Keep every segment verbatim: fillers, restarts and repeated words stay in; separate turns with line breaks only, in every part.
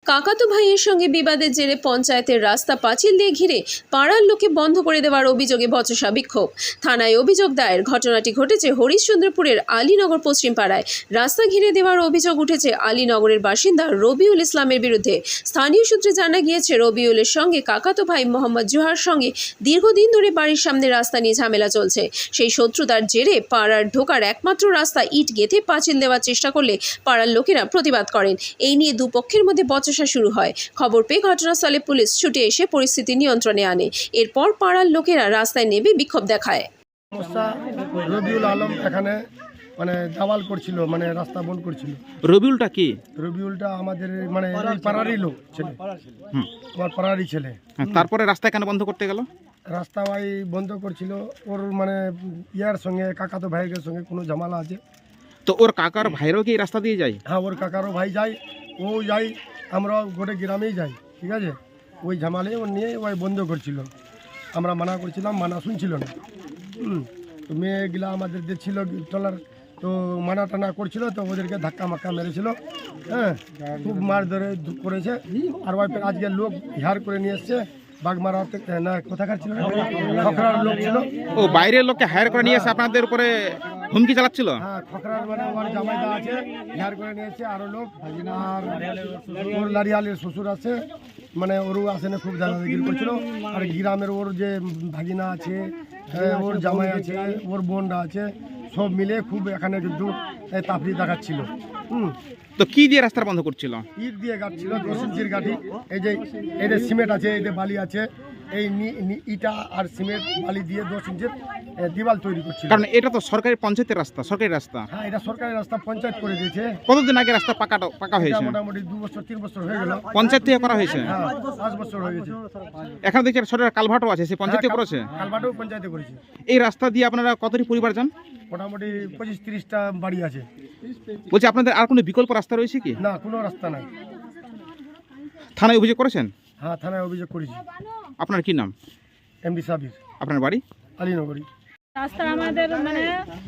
কাকাতো ভাইয়ের সঙ্গে বিবাদের জেরে পঞ্চায়েতের রাস্তা পাঁচিল দিয়ে ঘিরে পাড়ার লোকে বন্ধ করে দেওয়ার অভিযোগে বচসা বিক্ষোভ। থানায় অভিযোগ দায়ের। ঘটনাটি ঘটেছে হরিশ্চন্দ্রপুরের আলীনগর পশ্চিম পাড়ায়। রাস্তা ঘিরে দেওয়ার অভিযোগ উঠেছে আলীনগরের বাসিন্দা রবিউল ইসলামের বিরুদ্ধে। স্থানীয় সূত্রে জানা গিয়েছে, রবিউলের সঙ্গে কাকাতো ভাই মোহাম্মদ জোহার সঙ্গে দীর্ঘদিন ধরে বাড়ির সামনে রাস্তা নিয়ে ঝামেলা চলছে। সেই শত্রুতার জেরে পাড়ার ঢোকার একমাত্র রাস্তা ইট গেঁথে পাঁচিল দেওয়ার চেষ্টা করলে পাড়ার লোকেরা প্রতিবাদ করেন। এই নিয়ে দুপক্ষের মধ্যে বচসা শুরু হয়। খবর পেয়ে ঘটনাস্থলে পুলিশ ছুটে এসে পরিস্থিতি নিয়ন্ত্রণে আনে। এরপর পাড়ার লোকেরা রাস্তায় নেমে বিক্ষোভ দেখায়।
রবিউল আলম এখানে মানে দাওয়াল করছিল, মানে রাস্তা বন্ধ করছিল।
রবিউলটা কি?
রবিউলটা আমাদের মানে পাড়ারই লোক ছেলে, আমার পাড়ারই ছেলে।
তারপরে রাস্তা কেন বন্ধ করতে গেল?
রাস্তা ভাই বন্ধ করছিল, ওর মানে ইয়ার সঙ্গে কাকাতো ভাইয়ের সঙ্গে কোনো ঝামেলা আছে।
তো ওর কাকার ভাইরাও কি এই রাস্তা দিয়ে যায়?
হ্যাঁ, ওর কাকারও ভাই যায়, ও যাই, আমরা গোটে গ্রামেই যাই, ঠিক আছে। ওই ঝামেলায় ও নিয়ে ওই বন্ধ করছিল। আমরা মানা করছিলাম, মানা শুনছিল না। হুম তো মেয়েগুলা আমাদের দেখছিল টলার, তো মানা টানা করছিল, তো ওদেরকে ধাক্কা মাক্কা মেরেছিল। হ্যাঁ, খুব মার ধরে করেছে। আর ওই আজকে লোক হিয়ার করে নিয়ে এসছে বাগমারা না, কোথাকার ছিল, খকরার লোক ছিল।
ও বাইরের লোককে হায়ার করে নিয়ে এসে আপনাদের উপরে হুমকি চালাচ্ছিল?
হ্যাঁ, খকরার মানে আমার জামাইদা আছে, হিয়ার করে নিয়ে এসছে আরো লোক। আর ওর লারিয়ালের শ্বশুর আছে, মানে ওরও আসে না, খুব দাদাগিরি করছিল। আর গ্রামের ওর যে ভাগিনা আছে, ওর জামাই আছে, ওর বোনরা আছে, সব মিলে খুব এখানে কিন্তু তাপড়ি দেখাচ্ছিল। হুম
তো কি দিয়ে রাস্তা বন্ধ করছিল?
ইট দিয়ে গাঁটছিল, দশ ইঞ্চির গাঁটি। এই যে এই যে সিমেন্ট আছে, এই যে বালি আছে, এই ইটা আর সিমেন্ট বালি দিয়ে দশ ইঞ্চির দিওয়াল তৈরি করছিল।
কারণ এটা তো সরকারি পঞ্চায়েতের রাস্তা, সরকারি রাস্তা।
হ্যাঁ, এটা সরকারি রাস্তা, পঞ্চায়েত করে দিয়েছে।
কতদিন আগে রাস্তা পাকা পাকা হয়েছে?
মোটামুটি দু বছর তিন বছর হয়ে গেল।
পঞ্চায়েত থেকে করা হয়েছে?
হ্যাঁ, পাঁচ বছর হয়ে গেছে।
এখানে দেখছি সরকার কালভার্টও আছে, সেই পঞ্চায়েতে করেছে?
কালভার্টও পঞ্চায়েতে করেছে।
এই রাস্তা দিয়ে আপনারা কতটি পরিবার যান?
মোটামুটি পঁচিশ তিরিশটা বাড়ি আছে।
বলছি আপনাদের আর কোনো বিকল্প রাস্তা রয়েছে কি?
না, কোনো রাস্তা নাই।
থানায় অভিযোগ করেছেন?
হ্যাঁ, থানায় অভিযোগ করেছি।
আপনার কি নাম?
এমডি সাবির।
আপনার বাড়ি?
আলীনগরী।
রাস্তা আমাদের মানে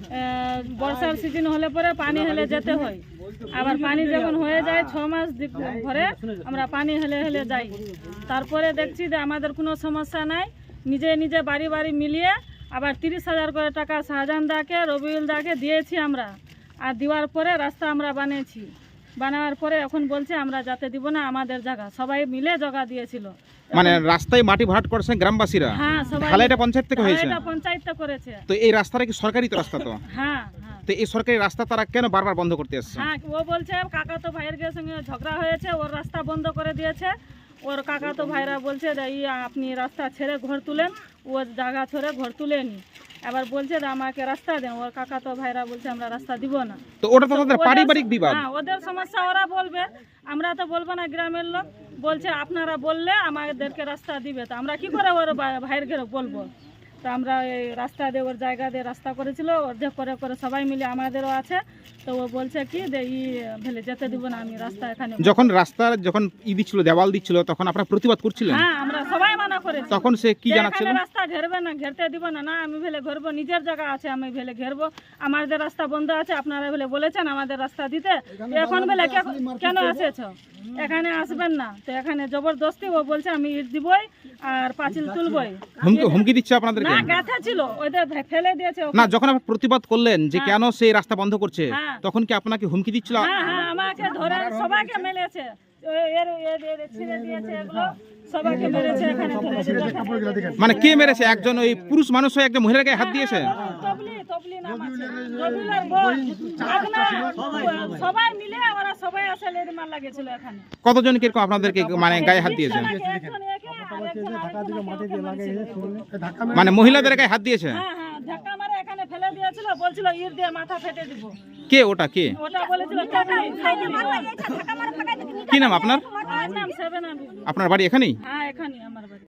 বর্ষার সিজন হলে পরে পানি হেলে যেতে হয়। আবার পানি যখন হয়ে যায় ছ মাস ধরে আমরা পানি হেলে হেলে যাই। তারপরে দেখছি যে আমাদের কোনো সমস্যা নাই, নিজে নিজে বাড়ি বাড়ি মিলিয়ে আবার তিরিশ হাজার করে টাকা শাহজাহান দাকে, রবিউল দাকে দিয়েছি আমরা। আর দেওয়ার পরে রাস্তা আমরা বানিয়েছি। বানানোর পরে এখন বলছে আমরা যাতে দিব না, আমাদের জায়গা সবাই মিলে জায়গা দিয়েছিল।
মানে রাস্তায় মাটি ভরাট করেছেন গ্রামবাসীরা?
হ্যাঁ, সবাই।
ঢালাইটা পঞ্চায়েত থেকে হয়েছে?
এটা পঞ্চায়েত করেছে।
তো এই রাস্তাটা কি সরকারি তো রাস্তা তো?
হ্যাঁ হ্যাঁ।
তো এই সরকারি রাস্তা তারা কেন বারবার বন্ধ করতে আসছে?
হ্যাঁ, ও বলছে কাকাতো ভাইয়ের সঙ্গে ঝগড়া হয়েছে, ওর রাস্তা বন্ধ করে দিয়েছে। ওর কাকাতো ভাইরা বলছে যে ই আপনি রাস্তা ছেড়ে ঘর তুলেন, ও জায়গা ছেড়ে ঘর তুলেনি। এবার বলছে যে আমাকে রাস্তা দেন। ওর কাকাতো ভাইরা বলছে আমরা রাস্তা দিব না।
তো ওটা তো তাদের পারিবারিক বিবাদ।
হ্যাঁ, ওদের সমস্যা ওরা বলবে, আমরা তো বলবো না। গ্রামের লোক বলছে আপনারা বললে আমাদেরকে রাস্তা দিবে, তো আমরা কি করে ওর ভাইয়ের ঘরে বলবো? তো আমরা এই রাস্তা দিয়ে ওর জায়গা দিয়ে রাস্তা করেছিল, অর্ধেক করে করে সবাই মিলে আমাদেরও আছে। তো ও বলছে কি যে ই ভেলে যেতে দিব না আমি রাস্তা এখানে।
যখন রাস্তার যখন ই দিচ্ছিল, দেওয়াল দিচ্ছিল, তখন আপনারা প্রতিবাদ করছিলেন?
হ্যাঁ, আমরা সবাই মানা করেছি।
তখন সে কি জানাচ্ছিল?
রাস্তা ঘেরবে না, ঘেরতে দিব না। না, আমি ভেলে ঘেরবো, নিজের জায়গা আছে, আমি ভেলে ঘেরবো। আমাদের রাস্তা বন্ধ আছে, আপনারা ভেলে বলেছেন আমাদের রাস্তা দিতে, এখন ভেলে কেন এসেছ? এখানে আসবেন না। তো এখানে জবরদস্তি ও বলছে আমি ইট দিবই আর পাঁচিল তুলবই।
হুমকি হুমকি দিচ্ছে আপনাদেরকে?
না, গাথা ছিল, ওদের ফেলে দিয়েছে।
না, যখন আপনি প্রতিবাদ করলেন যে কেন সেই রাস্তা বন্ধ করছে,
হ্যাঁ।
তখন কি আপনাকে হুমকি দিচ্ছিল?
হ্যাঁ হ্যাঁ, আমাকে ধরে সবাইকে মেলেছে, এর এর এর ছিঁড়ে দিয়েছে, এগুলো সবাইকে মেরেছে এখানে ধরে।
মানে কে মেরেছে? একজন ওই পুরুষ মানুষ হয়ে একজন মহিলার গায়ে হাত দিয়েছে?
তবলি তবলি নাম আছে, রবিউলের বোন, আগনা, সবাই মিলে ওরা সবাই আসে লেডি মার লাগেছিল এখানে।
কতজন কিরকম আপনাদেরকে মানে গায়ে হাত দিয়েছে? মানে মহিলাদের গায়ে হাত দিয়েছে?
হ্যাঁ হ্যাঁ, ধাক্কা মারে এখানে ফেলে দিয়েছিল, বলছিল ইট দিয়ে মাথা ফেটে দিব।
কে ওটা? কে
ওটা বলেছিল তবলি।
কি নাম আপনার?
আমার নাম সেভেন আবি।
আপনার বাড়ি এখানেই?
হ্যাঁ, এখানে আমার বাড়ি।